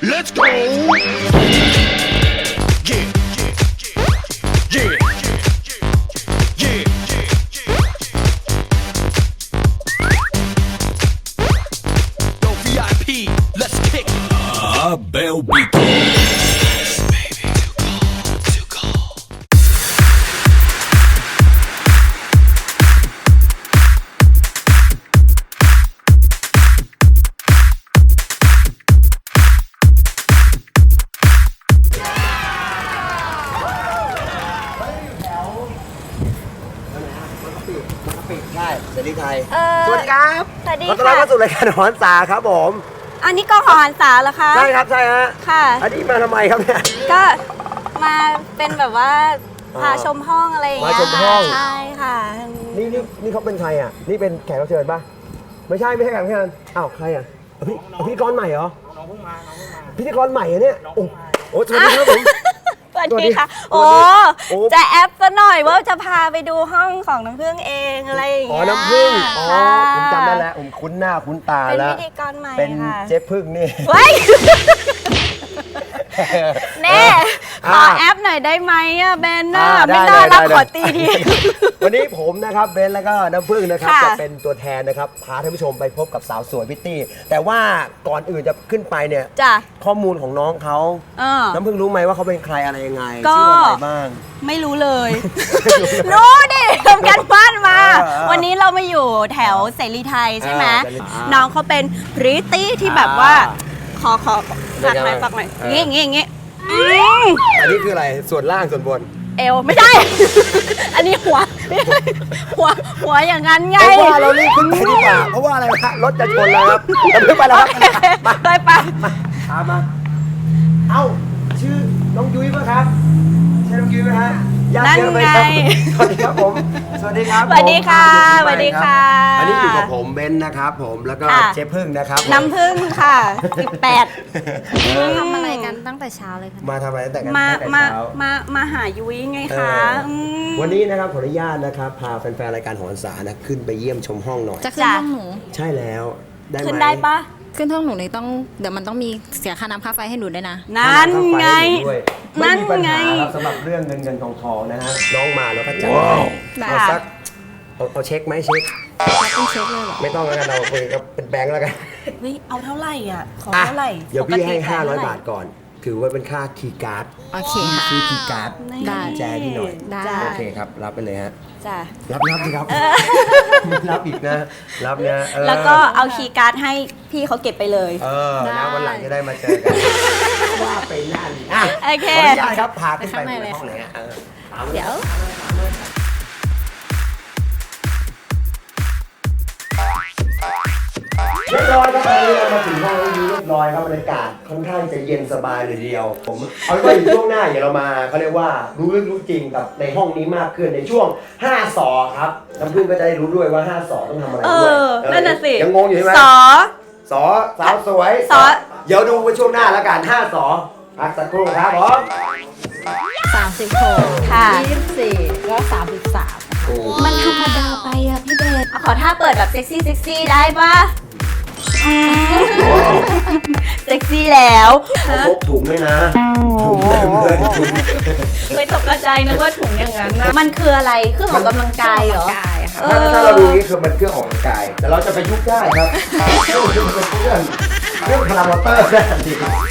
Let's go. Yeah. Yeah. Yeah. Yo, VIP, let's kick it. Bell beat. Baby, too cold. ใช่เสรีไทยสวัสดีครับสวัสดีขอต้อนรับค่ะเข้าสู่รายการหอนสาครับผมอันนี้กองหอหันษาเหรอคะใช่ครับใช่ฮะค่ะอันนี้มาทำไมครับเนี่ยก็มาเป็นแบบว่าพาชมห้องอะไรอย่างเงี้ยมาชมห้องใช่ค่ะนี่เขาเป็นใครอ่ะนี่เป็นแขกรับเชิญป่ะไม่ใช่แขกรับเชิญอ้าวใครอ่ะพิธีกรใหม่เหรอน้องเพิ่งมาพิธีกรใหม่เหรอเนี่ยโอ้สวัสดีครับผมสวัสดีค่ะสวัสดี โอ้จะแอปซะหน่อยว่าจะพาไปดูห้องของน้ำผึ้งเองอะไรอย่างอ๋อเงี้ยน้ำผึ้งอ๋อค่ะผมจำได้แล้วผมคุ้นหน้าคุ้นตาเป็นแล้วพิธีกรใหม่เป็นค่ะเจ๊พึ่งนี่เฮ้ยแน่ขอ่าอแอปหน่อยได้ไหมอะเบนน่ะได้ไม่น่ารักได้ขอตีทีวันนี้ผมนะครับเบนแล้วก็น้ำผึ้งนะครับค่ะจะเป็นตัวแทนนะครับพาท่านผู้ชมไปพบกับสาวสวยพิตตี้ แต่ว่าก่อนอื่นจะขึ้นไปเนี่ยจ้ะข้อมูลของน้องเขาเออน้ำผึ้งรู้ไหมว่าเขาเป็นใครอะไรยังไงก็ชื่ออะไรบ้างไม่รู้เลย รู้ดิทำกันบ้านมาเออวันนี้เรามาอยู่แถวเสรีไทยใช่ไหมเสรีไทยน้องเขาเป็นพริตตี้ที่แบบว่า ขอฝากหน่อยเป็นไงฝากหน่อยเอองี้มอันนี้คืออะไรส่วนล่างส่วนบนเอวไม่ใช่ อันนี้หัว หัวอย่างนั้นไงเพราะว่าเรารีบขึ้นไปดีกว่าเพราะว่าอะไรฮะรถจะชนแล้วครับน้ำผึ้งไปแล้วครับไปไปตามมาเอ้าชื่อน้องยุ้ยป่ะครับใช่น้องยุ้ยไหมฮะญาติเยอะไหมครับสวัสดีครับผมสวัสดีครับสวัสดีค่ะผมสวัสดีค่ะอันนี้อยู่กับผมเบนซ์นะครับผมแล้วก็ค่ะเจ๊พึ่งนะครับผมน้ำผึ้งค่ะ18 ทำอะไรกันตั้งแต่เช้าเลยค่ะมาทำอะไรตั้งแต่กันมาตั้งแต่มาเช้ามาหายุ้ยไงเอคะอมวันนี้นะครับขออนุญาตนะครับพาแฟนๆรายการหอนสานะขึ้นไปเยี่ยมชมห้องหน่อยจะขึ้นจ้ะห้องหนูใช่แล้วได้ไหมขึ้นได้ปะขึ้นห้องหนูนี่ต้องเดี๋ยวมันต้องมีเสียค่าน้ำค่าไฟให้หนูด้วยนะนั่นไงด้วยไม่นั่นมีปัญไงหาครับสำหรับเรื่องเงินทองนะฮะน้องมาแล้วก็จัดได้เอาสักเอาเช็คไหมเช็คแล้วต้องเช็คเลยเหรอไม่ต้องแล้วกันเราคุยกับเป็นแบงค์แล้วกันเฮ้ยเอาเท่าไหร่อ่ะ ขออ่ะเท่าไหร่เดี๋ยวพี่ให้ปกติขยเท่ไห 500 บาทก่อน ถือว่าเป็นค่าคีย์การ์ดโอเคค่ะซื้อคีย์การ์ดได้แจพี่หน่อยได้จ้ะโอเคครับ รับไปเลยฮะจ้ะรับสิครับ รับอีกนะ รับนะเออแล้วก็เอาคีย์การ์ดให้พี่เขาเก็บไปเลยเออนะวันหลังจะได้มาเจอกัน ว่าไปนั่นอ่ะโอเคขออนุญาตครับ พาขึ้นไปไปข้างในเลยห้องไหนฮะเออตามเดี๋ยวเรียบร้อยครับตอนนี้เรามาถึงห้องนี้เรียบร้อยครับบรรยากาศค่อนข้างจะเย็นสบายเลยทีเดียว ผมเอาไว้อยู่ช่วงหน้าเดี๋ยวเรามาเขาเรียกว่ารู้ลึกรู้จริงกับในห้องนี้มากขึ้นในช่วง5สอครับน้ำพึ่งก็จะได้รู้ด้วยว่า5สอต้องทำอะไรเอด้วยอ นั่นน่ะสิยังงงอยู่ใช่ไหมสอสอสาวสวยสอเดี๋ยวดูกันช่วงหน้าแล้วกัน5สอพักสักครู่ครับผม 36 ค่ะ 24ก็33 โอ้มันธรรมดาไปอะพี่เบนขอท่าเปิดแบบเซ็กซี่ได้ปะเซ็กซี่แล้วเขาพกถุงด้วยนะถุงเต็มเลยถุงไม่ตกใจนึกว่าถุงอย่างนั้นนะมันคืออะไรเครื่องออกกำลังกายเหรอกายค่ะถ้าเราดูนี่คือมันเครื่องออกกำลังกาย แต่เราจะไปยุบได้ครับเครื่องพลังมอเตอร์ได้ทันที